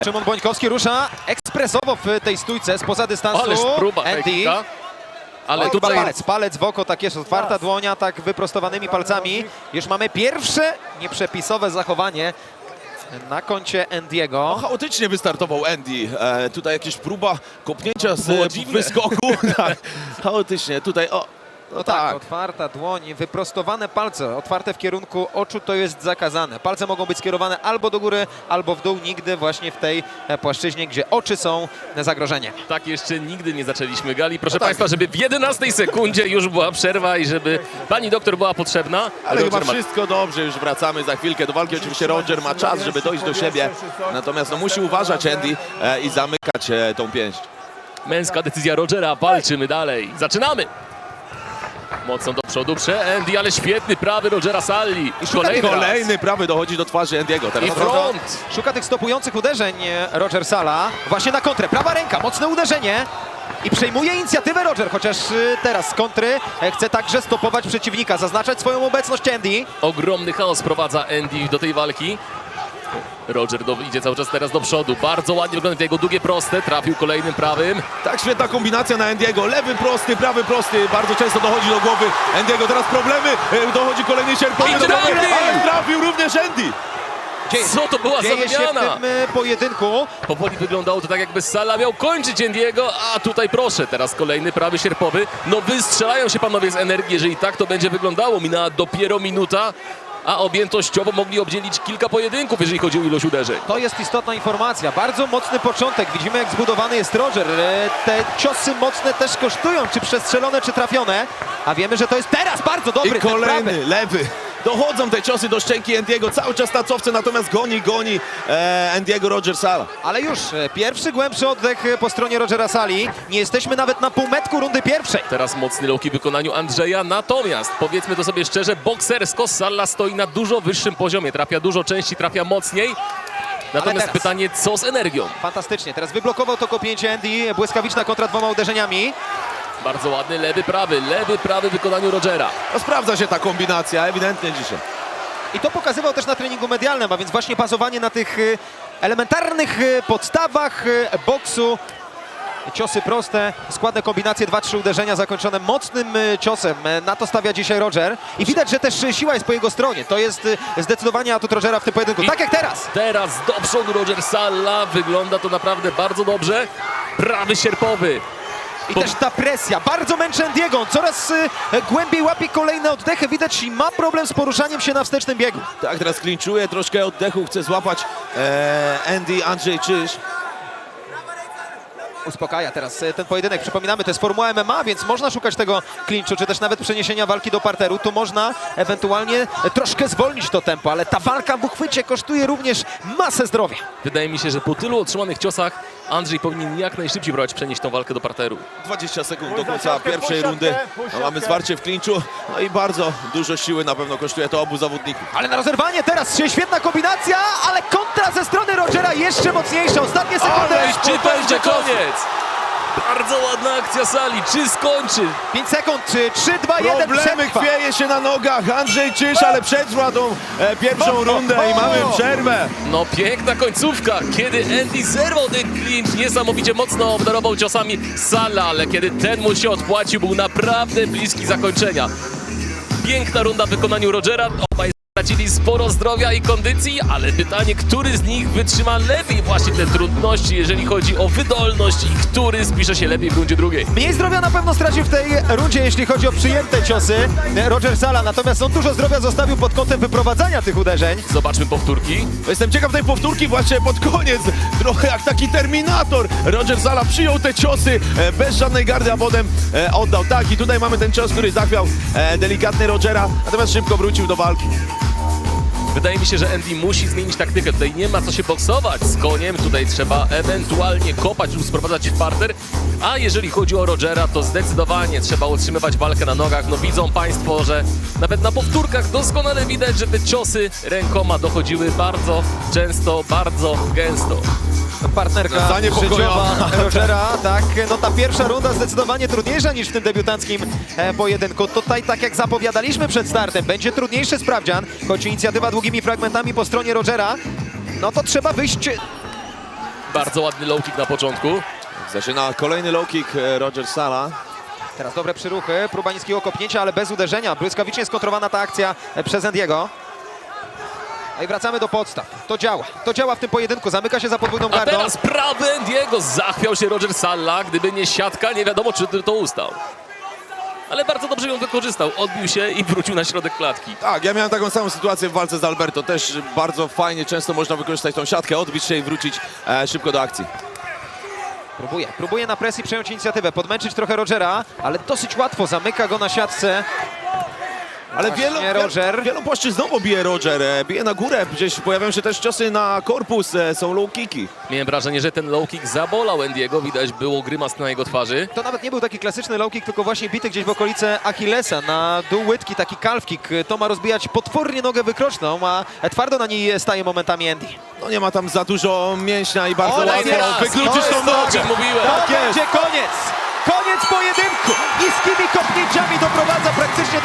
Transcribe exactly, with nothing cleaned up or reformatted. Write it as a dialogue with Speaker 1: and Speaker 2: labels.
Speaker 1: Szymon Bońkowski rusza ekspresowo w tej stójce spoza dystansu.
Speaker 2: Ależ próba
Speaker 1: Andy.
Speaker 2: technika. Ale
Speaker 1: Oj,
Speaker 2: tutaj
Speaker 1: palec, palec w oko, tak jest, otwarta dłonia, tak wyprostowanymi palcami. Już mamy pierwsze nieprzepisowe zachowanie na koncie Andiego.
Speaker 3: Chaotycznie wystartował Andy. E, tutaj jakieś próba kopnięcia z
Speaker 2: Było
Speaker 3: e,
Speaker 2: dziwne.
Speaker 3: wyskoku. Tak, chaotycznie. Tutaj o. No,
Speaker 1: No tak,
Speaker 3: tak.
Speaker 1: otwarta dłoń, wyprostowane palce, otwarte w kierunku oczu, to jest zakazane. Palce mogą być skierowane albo do góry, albo w dół, nigdy właśnie w tej e, płaszczyźnie, gdzie oczy są zagrożeniem.
Speaker 2: tak jeszcze nigdy nie zaczęliśmy gali. Proszę
Speaker 3: No tak.
Speaker 2: Państwa, żeby w jedenastej sekundzie już była przerwa i żeby pani doktor była potrzebna.
Speaker 3: Ale chyba
Speaker 2: Roger ma-
Speaker 3: wszystko dobrze, już wracamy za chwilkę do walki. Oczywiście Roger ma czas, żeby dojść do siebie. Natomiast no, musi uważać Andy e, i zamykać e, tą pięść.
Speaker 2: Męska decyzja Rogera, walczymy dalej. Zaczynamy! Mocno do przodu, prze Andy, ale świetny prawy Rogera Salli.
Speaker 1: I szuka
Speaker 2: Kolejny raz.
Speaker 3: Kolejny prawy dochodzi do twarzy Andiego. Teraz
Speaker 2: I front.
Speaker 1: Szuka tych stopujących uderzeń e, Roger Sala. Właśnie na kontrę. Prawa ręka, mocne uderzenie. I przejmuje inicjatywę Roger, chociaż e, teraz z kontry e, chce także stopować przeciwnika, zaznaczać swoją obecność Andy.
Speaker 2: Ogromny chaos prowadza Andy do tej walki. Roger do, idzie cały czas teraz do przodu. Bardzo ładnie wygląda te jego długie proste. Trafił kolejnym prawym.
Speaker 3: Tak, świetna kombinacja na Andiego. Lewy prosty, prawy prosty. Bardzo często dochodzi do głowy Andiego. Teraz problemy. E, Dochodzi kolejny sierpowy
Speaker 2: I
Speaker 3: do głowy,
Speaker 2: trafił!
Speaker 3: ale trafił również Andy.
Speaker 1: Dzieje,
Speaker 2: Co to była za
Speaker 1: dzieje się w
Speaker 2: wymiana?
Speaker 1: tym e, pojedynku.
Speaker 2: Powoli wyglądało to tak, jakby Sala miał kończyć Andiego, a tutaj proszę, teraz kolejny prawy sierpowy. No wystrzelają się panowie z energii, jeżeli tak to będzie wyglądało. Minęła dopiero minuta, a objętościowo mogli obdzielić kilka pojedynków, jeżeli chodzi o ilość uderzeń.
Speaker 1: To jest istotna informacja. Bardzo mocny początek. Widzimy, jak zbudowany jest Roger. E, Te ciosy mocne też kosztują, czy przestrzelone, czy trafione. A wiemy, że to jest teraz bardzo dobry
Speaker 3: I
Speaker 1: ten prawy.
Speaker 3: kolejny, lewy. Dochodzą te ciosy do szczęki Andiego. Cały czas na cofce, natomiast goni, goni e, Andiego Roger Sala.
Speaker 1: Ale już e, pierwszy głębszy oddech e, po stronie Rogera Sali. Nie jesteśmy nawet na półmetku rundy pierwszej.
Speaker 2: Teraz mocny low kick w wykonaniu Andrzeja, natomiast powiedzmy to sobie szczerze, boksersko Salla stoi na dużo wyższym poziomie. Trafia dużo częściej, trafia mocniej. Natomiast
Speaker 1: teraz-
Speaker 2: pytanie, co z energią?
Speaker 1: Fantastycznie. Teraz wyblokował to kopięcie Andy. Błyskawiczna kontra dwoma uderzeniami.
Speaker 2: Bardzo ładny lewy, prawy, lewy, prawy w wykonaniu Rogera.
Speaker 3: No, sprawdza się ta kombinacja, ewidentnie dzisiaj.
Speaker 1: I to pokazywał też na treningu medialnym, a więc właśnie bazowanie na tych e, elementarnych e, podstawach e, boksu. Ciosy proste, składne kombinacje, dwa, trzy uderzenia zakończone mocnym e, ciosem. E, Na to stawia dzisiaj Roger. I widać, że też e, siła jest po jego stronie. To jest e, zdecydowanie atut Rogera w tym pojedynku.
Speaker 2: I-
Speaker 1: Tak jak teraz.
Speaker 2: Teraz do przodu Roger Salla, wygląda to naprawdę bardzo dobrze. Prawy sierpowy.
Speaker 1: I
Speaker 2: Po-
Speaker 1: też ta presja. Bardzo męczy Andiego. On coraz e, głębiej łapie kolejne oddechy. Widać, i ma problem z poruszaniem się na wstecznym biegu.
Speaker 3: Tak, teraz klinczuje, troszkę oddechu chce złapać e, Andy, Andrzej Czyż.
Speaker 1: Uspokaja teraz e, ten pojedynek. Przypominamy, to jest formuła M M A, więc można szukać tego klinczu, czy też nawet przeniesienia walki do parteru. Tu można ewentualnie e, troszkę zwolnić to tempo, ale ta walka w uchwycie kosztuje również masę zdrowia.
Speaker 2: Wydaje mi się, że po tylu otrzymanych ciosach Andrzej powinien jak najszybciej próbować przenieść tą walkę do parteru.
Speaker 3: dwadzieścia sekund do końca pierwszej rundy. No, mamy zwarcie w klinczu. No i bardzo dużo siły na pewno kosztuje to obu zawodników.
Speaker 1: Ale na rozerwanie teraz się świetna kombinacja, ale kontra ze strony Rogera jeszcze mocniejsza. Ostatnie sekundy.
Speaker 3: Ależ
Speaker 2: Czy
Speaker 3: potężny
Speaker 2: będzie
Speaker 3: cios.
Speaker 2: koniec? Bardzo ładna akcja Sali. Czy skończy?
Speaker 1: pięć sekund. trzy, dwa, jeden.
Speaker 3: Problemy
Speaker 1: Przetrwa.
Speaker 3: chwieje się na nogach. Andrzej Czyż, ale przetrwa tą e, pierwszą rundę i mamy przerwę.
Speaker 2: No piękna końcówka, kiedy Andy zerwał ten clinch, niesamowicie mocno obdarował ciosami Sala, ale kiedy ten mu się odpłacił, był naprawdę bliski zakończenia. Piękna runda w wykonaniu Rogera, obaj stracili sporo zdrowia i kondycji, ale pytanie, który z nich wytrzyma lepiej właśnie te trudności, jeżeli chodzi o wydolność i który spisze się lepiej w rundzie drugiej.
Speaker 1: Mniej zdrowia na pewno stracił w tej rundzie, jeśli chodzi o przyjęte ciosy Roger Sala. Natomiast on dużo zdrowia zostawił pod kątem wyprowadzania tych uderzeń.
Speaker 2: Zobaczmy powtórki.
Speaker 3: Jestem ciekaw tej powtórki właśnie pod koniec. Trochę jak taki Terminator. Roger Sala przyjął te ciosy e, bez żadnej gardy, a potem e, oddał. Tak, i tutaj mamy ten cios, który zachwiał e, delikatny Rogera, natomiast szybko wrócił do walki.
Speaker 2: Wydaje mi się, że Andy musi zmienić taktykę. Tutaj nie ma co się boksować z koniem. Tutaj trzeba ewentualnie kopać lub sprowadzać w parter. A jeżeli chodzi o Rogera, to zdecydowanie trzeba utrzymywać walkę na nogach. No widzą Państwo, że nawet na powtórkach doskonale widać, że te ciosy rękoma dochodziły bardzo często, bardzo gęsto.
Speaker 1: Partnerka
Speaker 3: Zaniepokojona.
Speaker 1: życiowa Rogera, tak, no ta pierwsza runda zdecydowanie trudniejsza niż w tym debiutanckim e, pojedynku. Tutaj, tak jak zapowiadaliśmy przed startem, będzie trudniejszy sprawdzian, choć inicjatywa długimi fragmentami po stronie Rogera, no to trzeba wyjść
Speaker 2: Bardzo ładny low kick na początku.
Speaker 3: Zaczyna kolejny low kick e, Roger Sala.
Speaker 1: Teraz dobre przyruchy, próba niskiego kopnięcia, ale bez uderzenia. Błyskawicznie skontrowana ta akcja przez Endiego. No i wracamy do podstaw. To działa. To działa w tym pojedynku. Zamyka się za podwójną
Speaker 2: A
Speaker 1: gardą.
Speaker 2: teraz prawy Endiego. Zachwiał się Roger Salla. Gdyby nie siatka, nie wiadomo, czy to ustał. Ale bardzo dobrze ją wykorzystał. Odbił się i wrócił na środek klatki.
Speaker 3: Tak, ja miałem taką samą sytuację w walce z Alberto. Też bardzo fajnie, często można wykorzystać tą siatkę, odbić się i wrócić e, szybko do akcji.
Speaker 1: Próbuje, próbuje na presji przejąć inicjatywę, podmęczyć trochę Rogera, ale dosyć łatwo zamyka go na siatce.
Speaker 3: Ale
Speaker 1: Właśnie
Speaker 3: wielu, wielu,
Speaker 1: Roger.
Speaker 3: wielopłaszczyznowo bije Roger, e, bije na górę, gdzieś pojawiają się też ciosy na korpus, e, są low kicki.
Speaker 2: Miałem wrażenie, że ten low kick zabolał Endiego. Widać było grymas na jego twarzy.
Speaker 1: To nawet nie był taki klasyczny low kick, tylko właśnie bity gdzieś w okolice Achillesa na dół łydki, taki calf kick. To ma rozbijać potwornie nogę wykroczną, a twardo na niej staje momentami Andy.
Speaker 3: No nie ma tam za dużo mięśnia i bardzo
Speaker 1: Ole,
Speaker 3: łatwo
Speaker 1: teraz,
Speaker 3: wykluczyć
Speaker 1: to
Speaker 3: tą
Speaker 1: jest
Speaker 2: To, o
Speaker 3: nogę.
Speaker 2: czym mówiłem.
Speaker 1: To
Speaker 3: Tak jest.
Speaker 1: będzie koniec! Koniec pojedynku! Niskimi kopnięciami doprowadza praktycznie